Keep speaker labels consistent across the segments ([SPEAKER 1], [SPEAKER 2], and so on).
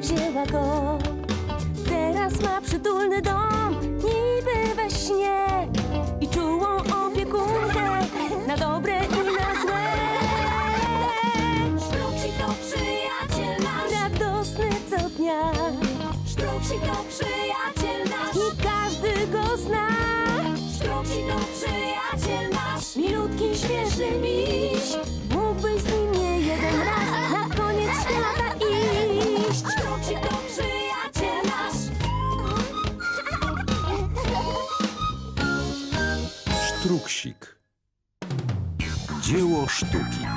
[SPEAKER 1] wzięła go. Teraz ma przytulny dom, niby we śnie, i czułą opiekunkę na dobre i na złe.
[SPEAKER 2] Sztruksik to przyjaciel nasz.
[SPEAKER 1] Radosny co dnia
[SPEAKER 2] Sztruksik to przyjaciel nasz.
[SPEAKER 1] i każdy go zna.
[SPEAKER 2] Sztruksik to przyjaciel nasz.
[SPEAKER 1] Milutki, śmieszny miś, mógłbyś z nim nie jeden raz na koniec świata iść.
[SPEAKER 2] Sztruksik to przyjaciel nasz.
[SPEAKER 3] Sztruksik. Dzieło sztuki.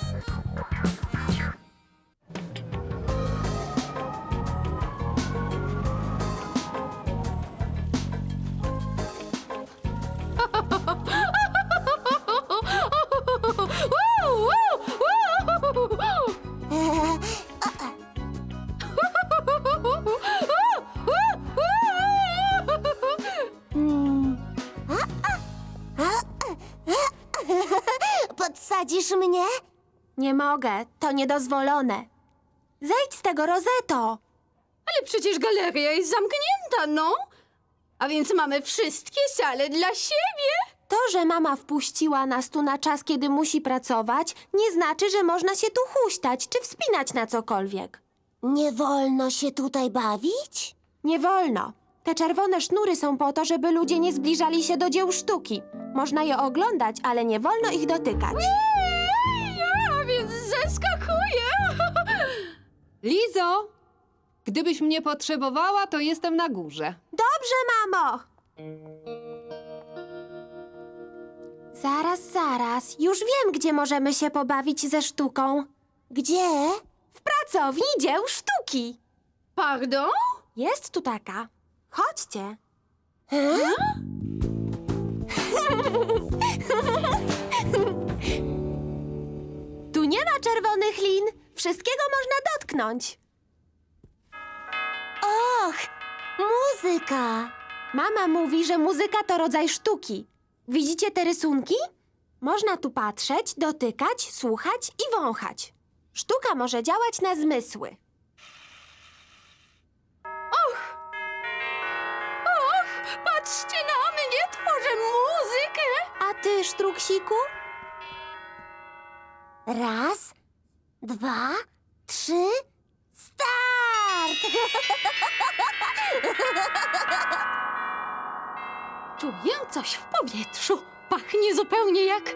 [SPEAKER 1] Podsadzisz mnie? Nie mogę, to niedozwolone. Zejdź z tego, Rozetto.
[SPEAKER 4] Ale przecież galeria jest zamknięta, no. A więc mamy wszystkie sale dla siebie.
[SPEAKER 1] To, że mama wpuściła nas tu na czas, kiedy musi pracować, nie znaczy, że można się tu huśtać czy wspinać na cokolwiek.
[SPEAKER 5] Nie wolno się tutaj bawić?
[SPEAKER 1] Nie wolno. Te czerwone sznury są po to, żeby ludzie nie zbliżali się do dzieł sztuki. Można je oglądać, ale nie wolno ich dotykać.
[SPEAKER 4] Ja więc zeskakuję. Lizo, gdybyś mnie potrzebowała, to jestem na górze.
[SPEAKER 1] Dobrze, mamo! Zaraz. Już wiem, gdzie możemy się pobawić ze sztuką.
[SPEAKER 5] Gdzie?
[SPEAKER 1] W pracowni dzieł sztuki.
[SPEAKER 4] Pardon?
[SPEAKER 1] Jest tu taka. Chodźcie. Tu nie ma czerwonych lin. Wszystkiego można dotknąć.
[SPEAKER 5] Och, muzyka!
[SPEAKER 1] Mama mówi, że muzyka to rodzaj sztuki. Widzicie te rysunki? Można tu patrzeć, dotykać, słuchać i wąchać. Sztuka może działać na zmysły.
[SPEAKER 4] Och, patrzcie na mnie, tworzę muzykę.
[SPEAKER 1] A ty, Sztruksiku?
[SPEAKER 5] Raz, dwa, trzy, start!
[SPEAKER 4] Czuję coś w powietrzu. Pachnie zupełnie jak...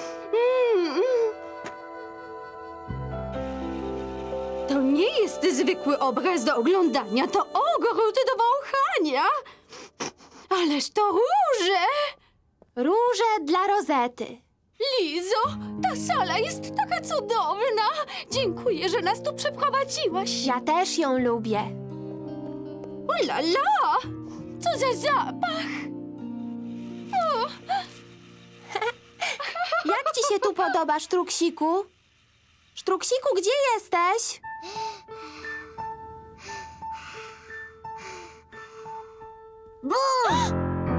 [SPEAKER 4] To nie jest zwykły obraz do oglądania, to ogród do wąchania. Ależ to róże!
[SPEAKER 1] Róże dla Rozety.
[SPEAKER 4] Lizo, ta sala jest taka cudowna. Dziękuję, że nas tu przeprowadziłaś.
[SPEAKER 1] Ja też ją lubię.
[SPEAKER 4] Ulala! Co za zapach! O,
[SPEAKER 1] Jak ci się tu podoba, Sztruksiku? Sztruksiku, gdzie jesteś?
[SPEAKER 5] Bum!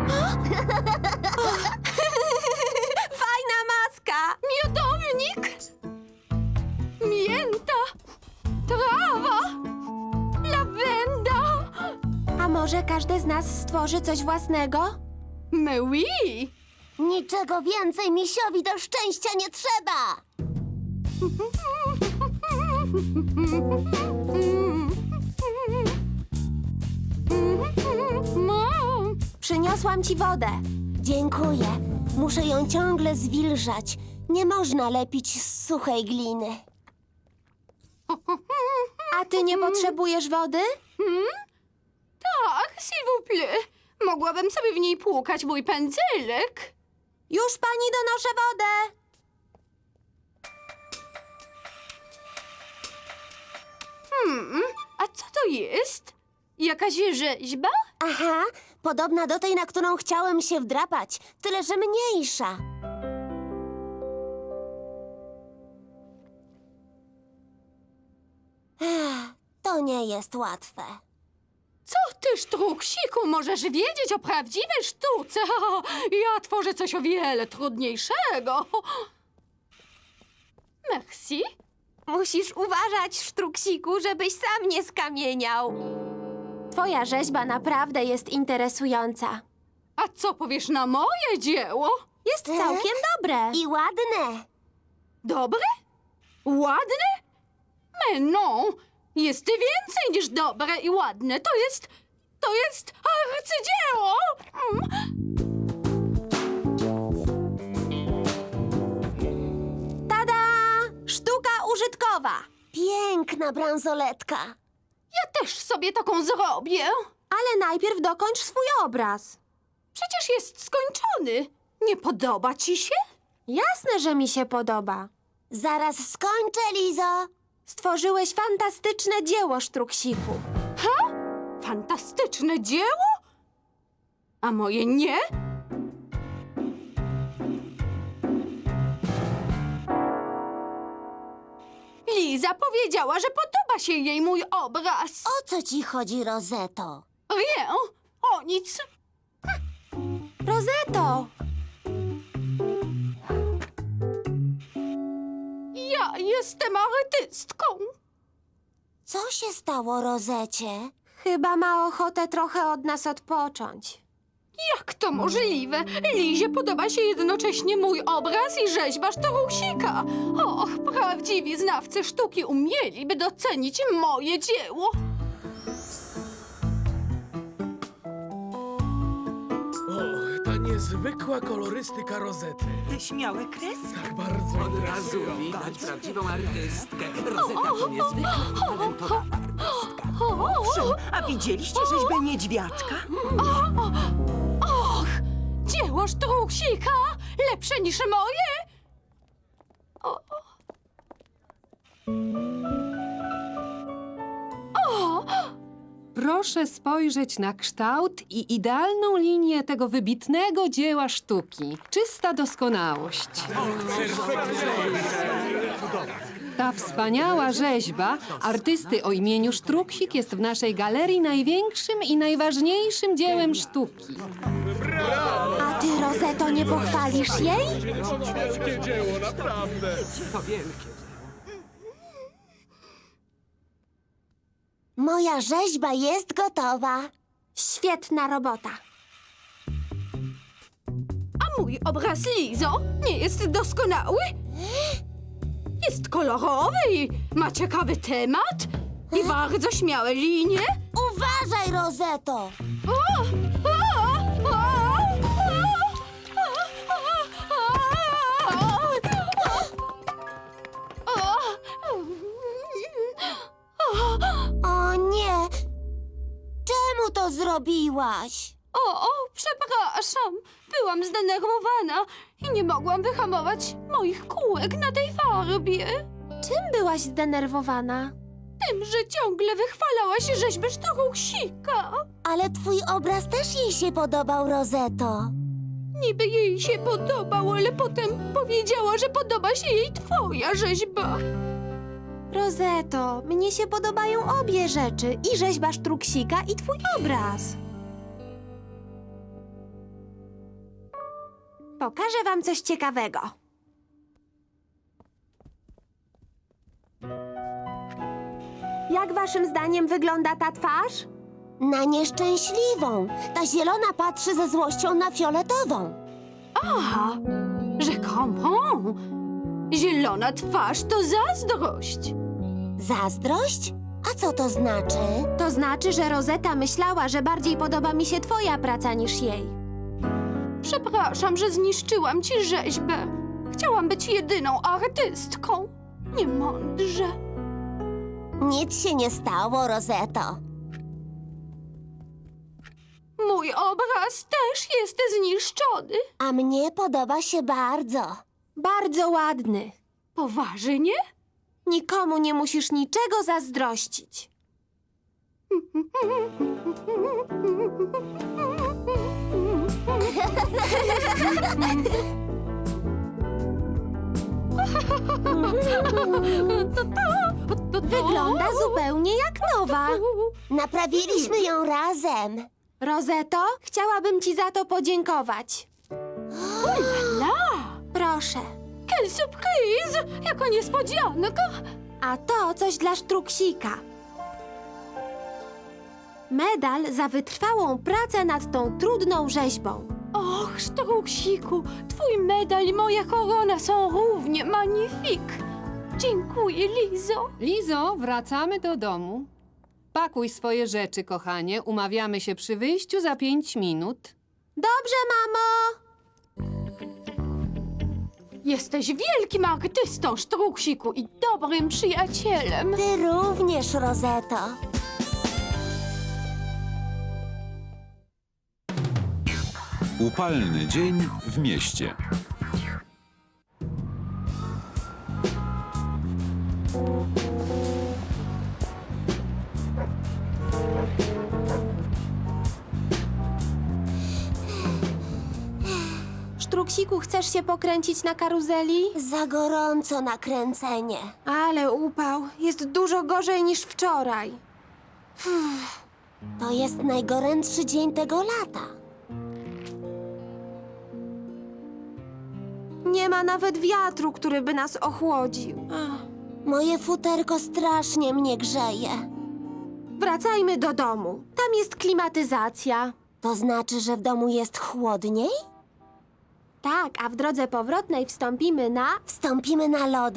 [SPEAKER 1] Fajna maska!
[SPEAKER 4] miodownik! Mięta! Trawa! Lawenda!
[SPEAKER 1] A może każdy z nas stworzy coś własnego?
[SPEAKER 4] Mais oui!
[SPEAKER 5] Niczego więcej misiowi do szczęścia nie trzeba!
[SPEAKER 4] Mam!
[SPEAKER 1] Przyniosłam ci wodę.
[SPEAKER 5] Dziękuję. Muszę ją ciągle zwilżać. Nie można lepić z suchej gliny.
[SPEAKER 1] A ty nie potrzebujesz wody?
[SPEAKER 4] Tak, s'il vous plaît. Mogłabym sobie w niej płukać mój pędzelek.
[SPEAKER 1] Już pani donoszę wodę.
[SPEAKER 4] A co to jest? Jakaś rzeźba?
[SPEAKER 5] Aha, podobna do tej, na którą chciałem się wdrapać, tyle że mniejsza. To nie jest łatwe.
[SPEAKER 4] Co ty, Sztruksiku, możesz wiedzieć o prawdziwej sztuce? Ja tworzę coś o wiele trudniejszego. Merci.
[SPEAKER 1] Musisz uważać, Sztruksiku, żebyś sam nie skamieniał. Twoja rzeźba naprawdę jest interesująca.
[SPEAKER 4] A co powiesz na moje dzieło?
[SPEAKER 1] Jest całkiem dobre.
[SPEAKER 5] I ładne.
[SPEAKER 4] Dobre? Ładne? No, jest więcej niż dobre i ładne. To jest arcydzieło!
[SPEAKER 1] Tada! Sztuka użytkowa.
[SPEAKER 5] Piękna bransoletka.
[SPEAKER 4] Ja też sobie taką zrobię.
[SPEAKER 1] Ale najpierw dokończ swój obraz.
[SPEAKER 4] Przecież jest skończony. Nie podoba ci się?
[SPEAKER 1] Jasne, że mi się podoba.
[SPEAKER 5] Zaraz skończę, Lizo.
[SPEAKER 1] Stworzyłeś fantastyczne dzieło, Sztruksiku.
[SPEAKER 4] Fantastyczne dzieło? A moje nie? Liza powiedziała, że podoba się jej mój obraz.
[SPEAKER 5] O co ci chodzi, Rozeto?
[SPEAKER 4] Nie, o nic.
[SPEAKER 1] Rozeto!
[SPEAKER 4] Ja jestem artystką.
[SPEAKER 5] Co się stało, Rozecie?
[SPEAKER 1] Chyba ma ochotę trochę od nas odpocząć.
[SPEAKER 4] Jak to możliwe? Lizie podoba się jednocześnie mój obraz i rzeźba Sztorusika. Och, prawdziwi znawcy sztuki umieliby docenić moje dzieło.
[SPEAKER 6] Och, ta niezwykła kolorystyka Rozety.
[SPEAKER 7] Te śmiałe kreski.
[SPEAKER 6] Tak bardzo
[SPEAKER 8] Od razu widać prawdziwą artystkę. Rozeta to niezwykle utalentowana artystka.
[SPEAKER 7] Owszem, a widzieliście rzeźbę niedźwiadka?
[SPEAKER 4] Och, dzieło Sztrusika lepsze niż moje.
[SPEAKER 9] Proszę spojrzeć na kształt i idealną linię tego wybitnego dzieła sztuki. Czysta doskonałość. Ta wspaniała rzeźba artysty o imieniu Sztruksik jest w naszej galerii największym i najważniejszym dziełem sztuki.
[SPEAKER 1] A ty, Rozeto, nie pochwalisz jej?
[SPEAKER 6] wielkie dzieło, naprawdę.
[SPEAKER 8] To wielkie.
[SPEAKER 5] Moja rzeźba jest gotowa.
[SPEAKER 1] Świetna robota.
[SPEAKER 4] A mój obraz, Lizo, nie jest doskonały? Jest kolorowy i ma ciekawy temat i bardzo śmiałe linie.
[SPEAKER 5] Uważaj, Rozeto! O nie! Czemu to zrobiłaś?
[SPEAKER 4] O, przepraszam. Byłam zdenerwowana i nie mogłam wyhamować moich kółek na tej farbie.
[SPEAKER 1] Czym byłaś zdenerwowana?
[SPEAKER 4] Tym, że ciągle wychwalałaś rzeźbę Sztorusika.
[SPEAKER 5] Ale twój obraz też jej się podobał, Rozeto.
[SPEAKER 4] Niby jej się podobał, ale potem powiedziała, że podoba się jej twoja rzeźba.
[SPEAKER 1] Rozeto, mnie się podobają obie rzeczy. I rzeźba Sztruksika, i twój obraz. Pokażę wam coś ciekawego. Jak waszym zdaniem wygląda ta twarz?
[SPEAKER 5] Na nieszczęśliwą. Ta zielona patrzy ze złością na fioletową.
[SPEAKER 4] Aha, rzekomo. Zielona twarz to zazdrość.
[SPEAKER 5] Zazdrość? A co to znaczy?
[SPEAKER 1] To znaczy, że Rozeta myślała, że bardziej podoba mi się twoja praca niż jej.
[SPEAKER 4] Przepraszam, że zniszczyłam ci rzeźbę. Chciałam być jedyną artystką. Niemądrze.
[SPEAKER 5] Nic się nie stało, Rozeto.
[SPEAKER 4] Mój obraz też jest zniszczony.
[SPEAKER 5] A mnie podoba się bardzo.
[SPEAKER 1] Bardzo ładny.
[SPEAKER 4] Poważnie?
[SPEAKER 1] Nikomu nie musisz niczego zazdrościć. Wygląda zupełnie jak nowa.
[SPEAKER 5] Naprawiliśmy ją razem.
[SPEAKER 1] Rozeto, chciałabym ci za to podziękować.
[SPEAKER 4] La!
[SPEAKER 1] Proszę.
[SPEAKER 4] Quelle surprise! Jaka niespodzianka!
[SPEAKER 1] A to coś dla Sztruksika. Medal za wytrwałą pracę nad tą trudną rzeźbą.
[SPEAKER 4] Och, Sztruksiku, twój medal i moja korona są równie magnifik. Dziękuję, Lizo.
[SPEAKER 9] Lizo, wracamy do domu. Pakuj swoje rzeczy, kochanie. Umawiamy się przy wyjściu za 5 minut.
[SPEAKER 1] Dobrze, mamo!
[SPEAKER 4] Jesteś wielkim artystą, Sztruksiku, i dobrym przyjacielem.
[SPEAKER 5] Ty również, Rozeto.
[SPEAKER 3] Upalny dzień w mieście.
[SPEAKER 1] Sztruksiku, chcesz się pokręcić na karuzeli?
[SPEAKER 5] Za gorąco na kręcenie.
[SPEAKER 1] Ale upał. Jest dużo gorzej niż wczoraj.
[SPEAKER 5] To jest najgorętszy dzień tego lata.
[SPEAKER 1] Nie ma nawet wiatru, który by nas ochłodził. Ach.
[SPEAKER 5] Moje futerko strasznie mnie grzeje.
[SPEAKER 1] Wracajmy do domu. Tam jest klimatyzacja.
[SPEAKER 5] To znaczy, że w domu jest chłodniej?
[SPEAKER 1] Tak, a w drodze powrotnej wstąpimy na...
[SPEAKER 5] Wstąpimy na lody?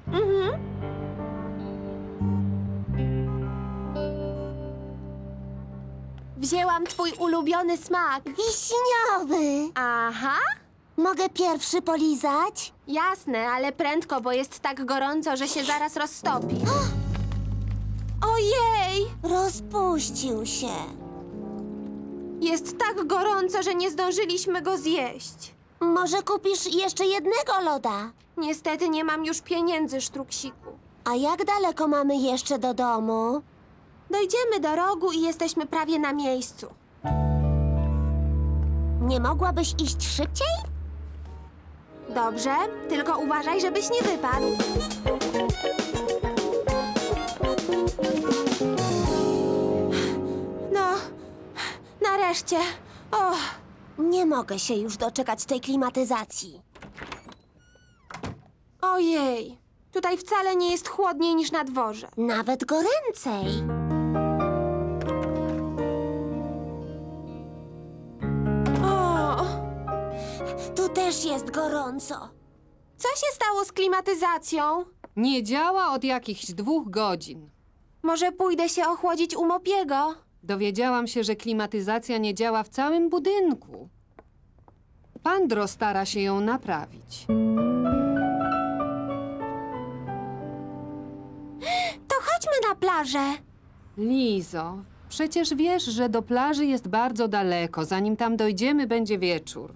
[SPEAKER 1] Wzięłam twój ulubiony smak.
[SPEAKER 5] Wiśniowy!
[SPEAKER 1] Aha,
[SPEAKER 5] Mogę pierwszy polizać?
[SPEAKER 1] jasne, ale prędko, bo jest tak gorąco, że się zaraz roztopi. Ojej!
[SPEAKER 5] Rozpuścił się.
[SPEAKER 1] Jest tak gorąco, że nie zdążyliśmy go zjeść.
[SPEAKER 5] Może kupisz jeszcze jednego loda?
[SPEAKER 1] Niestety nie mam już pieniędzy, Sztruksiku.
[SPEAKER 5] A jak daleko mamy jeszcze do domu?
[SPEAKER 1] Dojdziemy do rogu i jesteśmy prawie na miejscu.
[SPEAKER 5] Nie mogłabyś iść szybciej?
[SPEAKER 1] Dobrze, tylko uważaj, żebyś nie wypadł. No, nareszcie. O,
[SPEAKER 5] Nie mogę się już doczekać tej klimatyzacji.
[SPEAKER 1] ojej. Tutaj wcale nie jest chłodniej niż na dworze.
[SPEAKER 5] Nawet goręcej.
[SPEAKER 1] O,
[SPEAKER 5] Tu też jest gorąco.
[SPEAKER 1] co się stało z klimatyzacją?
[SPEAKER 9] Nie działa od jakichś 2 godzin.
[SPEAKER 1] Może pójdę się ochłodzić u Mopiego?
[SPEAKER 9] Dowiedziałam się, że klimatyzacja nie działa w całym budynku. Pandro stara się ją naprawić.
[SPEAKER 1] To chodźmy na plażę.
[SPEAKER 9] Lizo, przecież wiesz, że do plaży jest bardzo daleko. Zanim tam dojdziemy, będzie wieczór.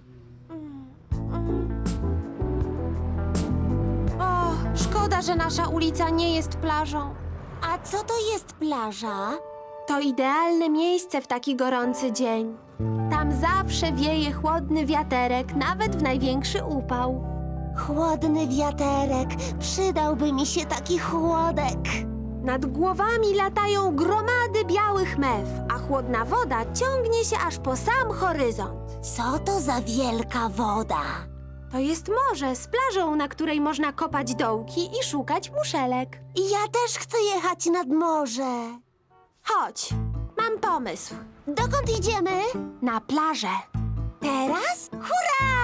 [SPEAKER 1] O, szkoda, że nasza ulica nie jest plażą.
[SPEAKER 5] A co to jest plaża?
[SPEAKER 1] To idealne miejsce w taki gorący dzień. Tam zawsze wieje chłodny wiaterek, nawet w największy upał.
[SPEAKER 5] Chłodny wiaterek. Przydałby mi się taki chłodek.
[SPEAKER 1] Nad głowami latają gromady białych mew, a chłodna woda ciągnie się aż po sam horyzont.
[SPEAKER 5] Co to za wielka woda?
[SPEAKER 1] To jest morze z plażą, na której można kopać dołki i szukać muszelek.
[SPEAKER 5] Ja też chcę jechać nad morze.
[SPEAKER 1] Chodź, mam pomysł.
[SPEAKER 5] Dokąd idziemy?
[SPEAKER 1] Na plażę.
[SPEAKER 5] Teraz? Hurra!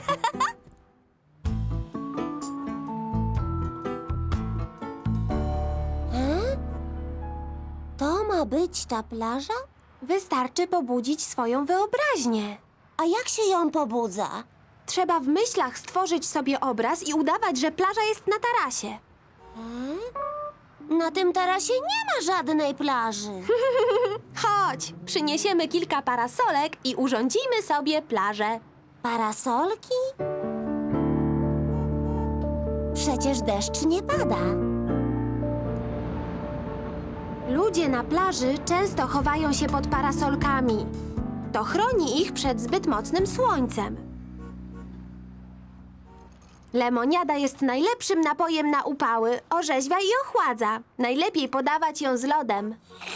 [SPEAKER 5] To ma być ta plaża?
[SPEAKER 1] Wystarczy pobudzić swoją wyobraźnię.
[SPEAKER 5] A jak się ją pobudza?
[SPEAKER 1] Trzeba w myślach stworzyć sobie obraz i udawać, że plaża jest na tarasie.
[SPEAKER 5] Na tym tarasie nie ma żadnej plaży.
[SPEAKER 1] Chodź, przyniesiemy kilka parasolek i urządzimy sobie plażę.
[SPEAKER 5] Parasolki? Przecież deszcz nie pada.
[SPEAKER 1] Ludzie na plaży często chowają się pod parasolkami. To chroni ich przed zbyt mocnym słońcem. Lemoniada jest najlepszym napojem na upały, orzeźwia i ochładza. Najlepiej podawać ją z lodem.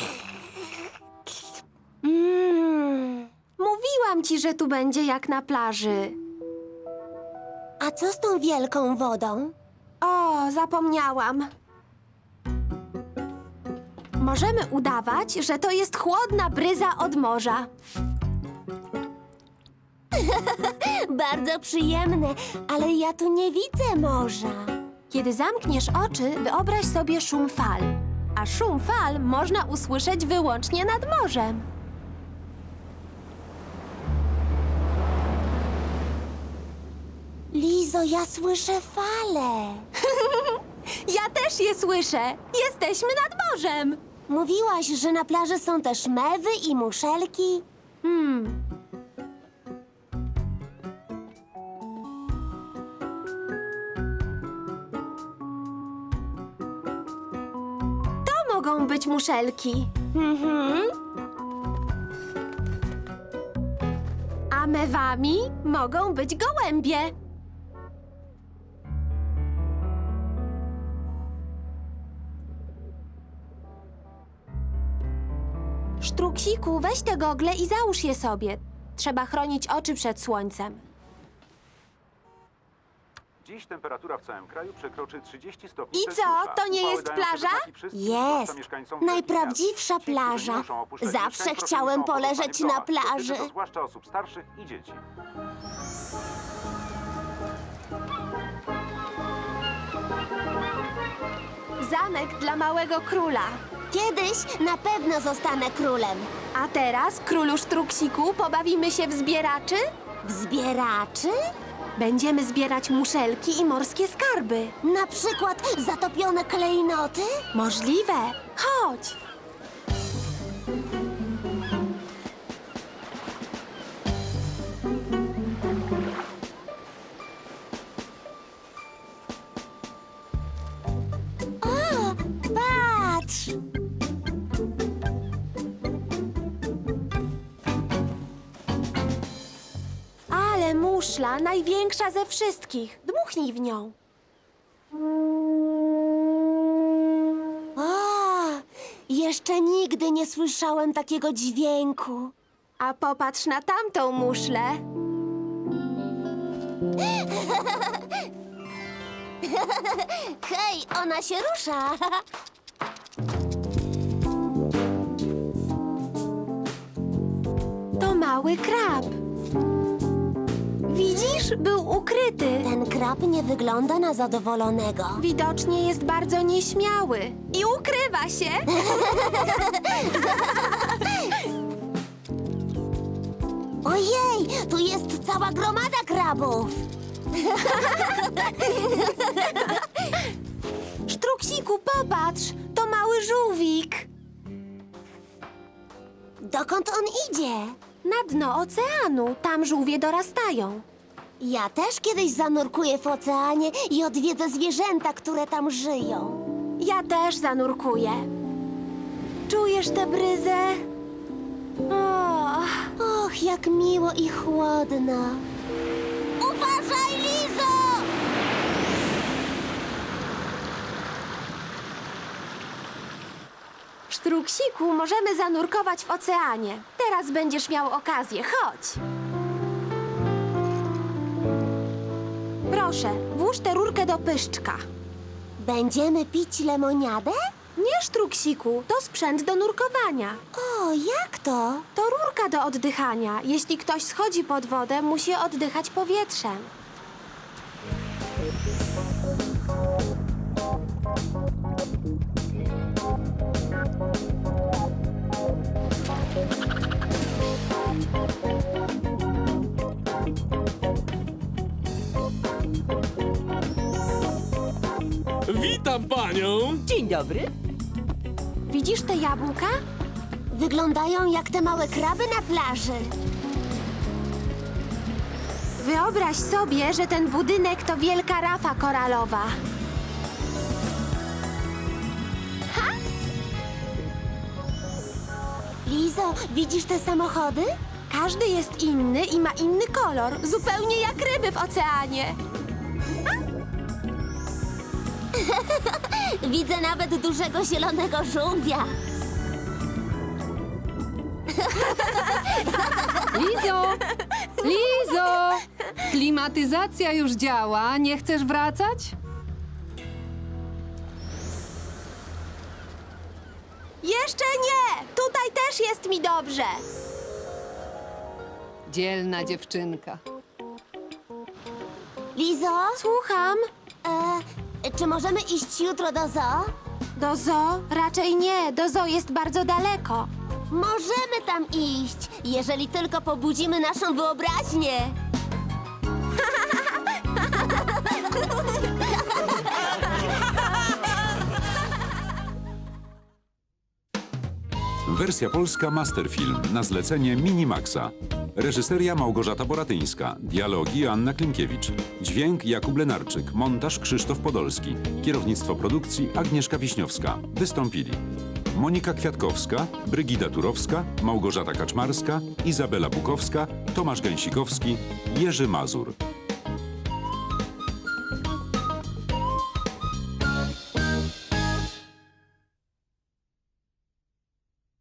[SPEAKER 1] Mówiłam ci, że tu będzie jak na plaży.
[SPEAKER 5] A co z tą wielką wodą?
[SPEAKER 1] O, zapomniałam. Możemy udawać, że to jest chłodna bryza od morza.
[SPEAKER 5] Bardzo przyjemne, ale ja tu nie widzę morza.
[SPEAKER 1] Kiedy zamkniesz oczy, wyobraź sobie szum fal. A szum fal można usłyszeć wyłącznie nad morzem.
[SPEAKER 5] Lizo, ja słyszę fale.
[SPEAKER 1] Ja też je słyszę. Jesteśmy nad morzem.
[SPEAKER 5] Mówiłaś, że na plaży są też mewy i muszelki.
[SPEAKER 1] To mogą być muszelki. A mewami mogą być gołębie. Sztruksiku, weź te gogle i załóż je sobie. Trzeba chronić oczy przed słońcem.
[SPEAKER 10] Dziś temperatura w całym kraju przekroczy 30 stopni
[SPEAKER 1] I
[SPEAKER 10] Celsjusza.
[SPEAKER 1] co, to nie
[SPEAKER 10] Upały
[SPEAKER 1] jest
[SPEAKER 10] dają
[SPEAKER 1] plaża?
[SPEAKER 10] przeznaki wszystkim,
[SPEAKER 5] Jest.
[SPEAKER 10] zwłaszcza mieszkańcom wielkich
[SPEAKER 5] Najprawdziwsza
[SPEAKER 10] miast. Ci, którzy
[SPEAKER 5] plaża.
[SPEAKER 10] muszą opuszczać
[SPEAKER 5] Zawsze
[SPEAKER 10] mieszkań, prosili
[SPEAKER 5] chciałem
[SPEAKER 10] są o pozostanie
[SPEAKER 5] poleżeć
[SPEAKER 10] w
[SPEAKER 5] na
[SPEAKER 10] domach. Dotyczy
[SPEAKER 5] plaży.
[SPEAKER 10] to zwłaszcza osób starszych i dzieci.
[SPEAKER 1] Zamek dla małego króla.
[SPEAKER 5] Kiedyś na pewno zostanę królem.
[SPEAKER 1] A teraz, królu Sztruksiku, pobawimy się w zbieraczy?
[SPEAKER 5] W zbieraczy?
[SPEAKER 1] Będziemy zbierać muszelki i morskie skarby.
[SPEAKER 5] Na przykład zatopione klejnoty?
[SPEAKER 1] Możliwe. Chodź.
[SPEAKER 5] O, patrz!
[SPEAKER 1] Ale muszla, największa ze wszystkich. Dmuchnij w nią.
[SPEAKER 5] O, jeszcze nigdy nie słyszałem takiego dźwięku.
[SPEAKER 1] A popatrz na tamtą muszlę.
[SPEAKER 5] Hej, ona się rusza.
[SPEAKER 1] To mały krab. Widzisz? Był ukryty.
[SPEAKER 5] Ten krab nie wygląda na zadowolonego.
[SPEAKER 1] Widocznie jest bardzo nieśmiały. I ukrywa się.
[SPEAKER 5] Ojej, tu jest cała gromada krabów.
[SPEAKER 1] Sztruksiku, popatrz. To mały żółwik.
[SPEAKER 5] Dokąd on idzie?
[SPEAKER 1] Na dno oceanu. Tam żółwie dorastają.
[SPEAKER 5] Ja też kiedyś zanurkuję w oceanie i odwiedzę zwierzęta, które tam żyją.
[SPEAKER 1] Ja też zanurkuję. Czujesz tę bryzę?
[SPEAKER 5] Och, jak miło i chłodno. Uważaj, Lizo!
[SPEAKER 1] Sztruksiku, możemy zanurkować w oceanie. Teraz będziesz miał okazję. Chodź. Proszę, włóż tę rurkę do pyszczka.
[SPEAKER 5] Będziemy pić lemoniadę?
[SPEAKER 1] Nie, Sztruksiku, to sprzęt do nurkowania.
[SPEAKER 5] O, jak to?
[SPEAKER 1] To rurka do oddychania. Jeśli ktoś schodzi pod wodę, musi oddychać powietrzem.
[SPEAKER 6] Witam panią!
[SPEAKER 7] Dzień dobry.
[SPEAKER 1] Widzisz te jabłka?
[SPEAKER 5] Wyglądają jak te małe kraby na plaży.
[SPEAKER 1] Wyobraź sobie, że ten budynek to wielka rafa koralowa.
[SPEAKER 5] Lizo, widzisz te samochody?
[SPEAKER 1] Każdy jest inny i ma inny kolor, zupełnie jak ryby w oceanie.
[SPEAKER 5] Widzę nawet dużego zielonego żółwia.
[SPEAKER 9] Lizo! Lizo! Klimatyzacja już działa. Nie chcesz wracać?
[SPEAKER 1] Jeszcze nie! Tutaj też jest mi dobrze.
[SPEAKER 9] Dzielna dziewczynka.
[SPEAKER 5] Lizo,
[SPEAKER 1] Słucham.
[SPEAKER 5] czy możemy iść jutro do zoo?
[SPEAKER 1] Do zoo? Raczej nie. Do zoo jest bardzo daleko.
[SPEAKER 5] Możemy tam iść, jeżeli tylko pobudzimy naszą wyobraźnię.
[SPEAKER 3] Wersja polska Masterfilm na zlecenie Minimaxa. Reżyseria Małgorzata Boratyńska. Dialogi Anna Klimkiewicz. Dźwięk Jakub Lenarczyk. Montaż Krzysztof Podolski. Kierownictwo produkcji Agnieszka Wiśniowska. Wystąpili Monika Kwiatkowska, Brygida Turowska, Małgorzata Kaczmarska, Izabela Bukowska, Tomasz Gęsikowski, Jerzy Mazur.